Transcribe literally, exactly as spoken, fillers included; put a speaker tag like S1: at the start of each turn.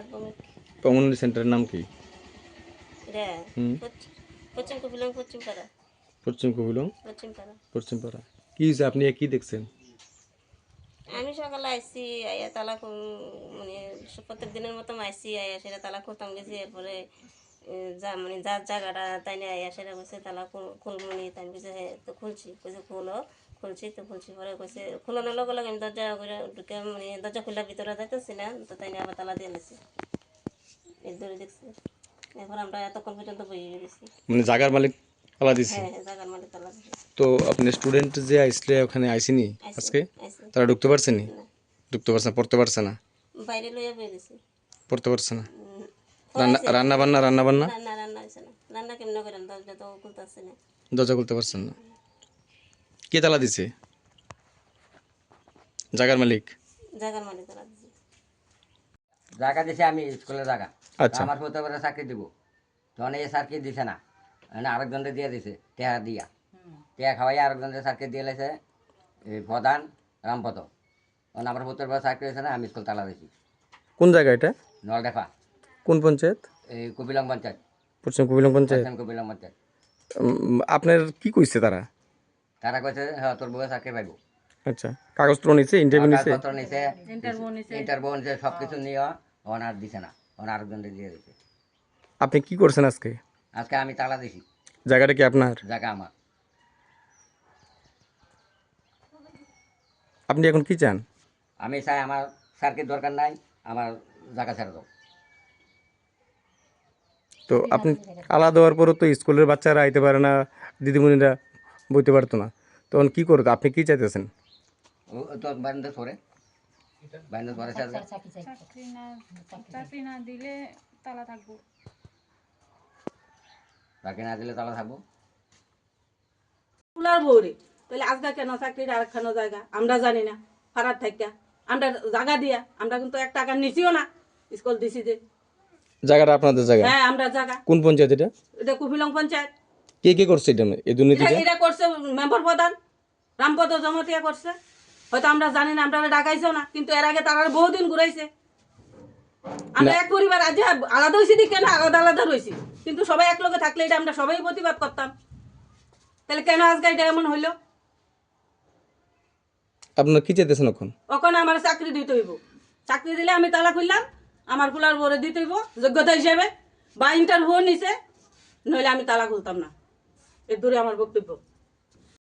S1: Community সেন্টারের নাম কি?
S2: পশ্চিম কপিলং পশ্চিম পাড়া।
S1: পশ্চিম কপিলং
S2: পশ্চিম পাড়া।
S1: পশ্চিম পাড়া। কি হয়েছে, আপনি কি দেখছেন?
S2: আমি সকালে আইসি আইয়া তালা মানে প্রত্যেক দিনের মতো আইসি আইয়া সেটা তালা খুলতাম গেছি। এরপরে যা মানে যার জায়গাটা তাই নিয়ে আইয়া সেটা কইছে তালা খুলমনি তাই কইছে হ্যাঁ তো খুলছি কইছে খুলো খুলছি তো খুলছি পরে কইছে খুলানোর লগে লগে আমি দরজা করে ঢুকে মানে দরজা খুলে ভিতরে যাইতেছি না তো তাই নিয়ে আবার তালা দিয়ে নিছি। এর ধরে দেখছি। এরপর আমরা এতক্ষণ পর্যন্ত বই গেছি।
S1: মানে জায়গার মালিক তালা দিছে?
S2: হ্যাঁ হ্যাঁ জায়গার মালিক তালা দিছে।
S1: তো আপনি স্টুডেন্ট যে আইসলে ওখানে আইসিনি আজকে, তারা ঢুকতে পারছে নি? ঢুকতে পারছে না, পড়তে পারছে না?
S2: বাইরে লইয়া বের গেছি।
S1: পড়তে পারছে না? রান্না রান্না বান্না রান্না বান্না
S2: রান্না রান্না হয়েছে না। রান্না কেমন করেন দরজা তো খুলতে আসছে না।
S1: দরজা খুলতে পারছেন না? কে তালা দিছে? জায়গার মালিক?
S2: জায়গার মালিক তালা দিছে।
S3: জায়গা দিছে আমি স্কুলের জায়গা।
S1: আচ্ছা।
S3: আমার হতে পারে চাকরি দিব, তখন এই স্যারকে দিছে না, আরেকজনকে দিয়ে দিছে টেহা দিয়া টেহা খাওয়াই আরেকজনকে স্যারকে দিয়ে লেছে এই প্রধান রামপদ। তখন আমার হতে পারে চাকরি হয়েছে না, আমি স্কুল তালা দিছি।
S1: কোন জায়গা এটা?
S3: নলডেফা।
S1: কোন পঞ্চায়েত?
S3: এই কপিলং পঞ্চায়েত।
S1: পশ্চিম কপিলং পঞ্চায়েত।
S3: পশ্চিম কপিলং পঞ্চায়েত।
S1: উম, আপনার কি কইছে তারা?
S3: তারা কইছে হ্যাঁ তোর বউয়ে চাকরি পাইব।
S1: আচ্ছা, কাগজপত্র নিছে, ইন্টারভিউ নিছে?
S3: কাগজপত্র নিছে, ইন্টারভিউ নিছে, সব কিছু নিয়ে ওন আর দিছে না, ওন আরেকজনকে দিয়ে দিছে।
S1: আপনি কি করছেন আজকে?
S3: আজকে আমি তালা দিছি।
S1: জায়গাটা কি আপনার?
S3: জায়গা আমার।
S1: আপনি এখন কি চান?
S3: আমি চাই আমার স্যারকে দরকার নাই, আমার জায়গা ছেড়ে দাও।
S1: তো আপনি আলাদা দেওয়ার পরও তো স্কুলের বাচ্চারা আইতে পারে না, দিদিমণিরা বইতে পারতো না, তখন কি করতো? আপনি কি চাইতেছেন?
S3: ও তো বাইন্দে সরে বাইন্দে সরে স্যার
S4: চাকরি না চাকরি না দিলে তালা থাকবো।
S3: চাকরি না দিলে তালা থাকবো।
S5: কুলার বউরে তাহলে আজকে কেন চাকরির আরেকখানো জায়গা আমরা জানি না, ফারার থাকা আমরা জায়গা দিয়া আমরা কিন্তু এক টাকা নিচিও না, স্কুল দিছি যে।
S1: জায়গাটা আপনাদের জায়গা?
S5: হ্যাঁ আমরা জায়গা।
S1: কোন পঞ্চায়েত এটা?
S5: এটা কুপিলং পঞ্চায়েত।
S1: কে কে করছে এটা, এই দুর্নীতিটা?
S5: এটা করছে মেম্বার প্রধান রামপদ জমতিয়া করছে, হয়তো আমরা জানি না, আমরা ডাকাইছেও না, কিন্তু এর আগে তারা বহুদিন ঘুরাইছে। আমরা এক পরিবার আজ আলাদা হয়েছি দিকে না, আলাদা আলাদা রয়েছি, কিন্তু সবাই এক লগে থাকলে এটা আমরা সবাই প্রতিবাদ করতাম। তাহলে কেন আজকে এটা এমন হইলো?
S1: আপনারা কি চাইতেছেন এখন?
S5: ওখানে আমার চাকরি দিতে হইব, চাকরি দিলে আমি তালা খুললাম, আমার কুলার বরে দিতে হইব যোগ্যতা হিসেবে, বা ইন্টারভিউ নিছে, নইলে আমি তালা খুলতাম না। এর দূরে আমার বক্তব্য।